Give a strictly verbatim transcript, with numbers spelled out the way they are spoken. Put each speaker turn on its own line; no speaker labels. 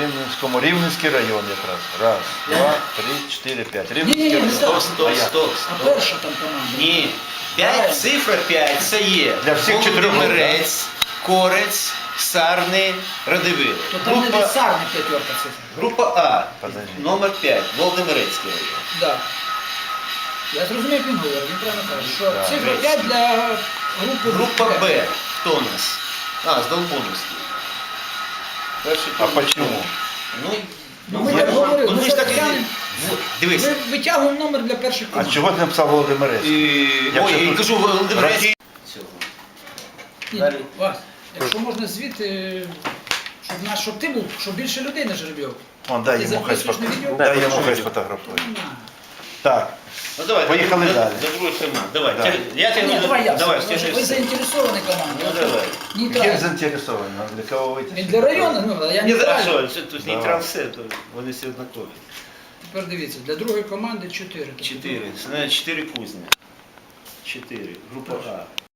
Рівненському. Рівненський район якраз. Раз, два, три, чотири, п'ять.
Ні,
Рівненський
ні, не
район.
так.
Стоп, стоп, стоп,
А
стоп.
перша там команда.
Ні. П'ять, цифра п'ять, це є
Для всіх чотирьох груп,
Володимирець, Корець, Сарни, Радивило.
То там не
Група,
десарна п'ятерка цифра.
група А,
Подожди.
номер п'ять, Володимирецький район.
Да. Я зрозумів, як він говорить, він правильно каже, що
Так.
цифра п'ять для групи
Група Б, хто у нас? А, з Долбоновський. Перший
А
тур.
почему?
Ну,
Ну, ми
ви-
так говорили,
ну,
ми
ми ж так
зараз
і-
глянемо.
Вот, Дивись.
Ми витягуємо номер для перших
А
команд.
чого ти написав Володимирець?
І...
Якщо
Ой, я
тут-
кажу, Володимирецький. Цього.
Ні,
Далі.
Вась, якщо можна звідти, щоб, наш, щоб ти був, щоб більше людей на жеребьовку.
Вон, дай
Ти
йому хай
записуєш на відео?
сфотографує. Дай
Да,
йому хай
запишу.
сфотографує.
На.
Так,
Ну давай,
Поїхали
до-
далі.
До другої команди. Давай,
Да.
тя- я тебе
Ні, давай я.
давай,
Тому що
стяжи
ви
все.
заінтересовані команда.
Ну давай.
Ким
Нейтрально.
заінтересований? Для кого вийти?
Він для району, ну, а я
Ні,
не
за
правильно.
що, тут
Давай.
нейтрал все, то вони всі однакові.
Тепер дивіться, для другої команди чотири.
Чотири, це, навіть чотири кузні. Чотири, група А.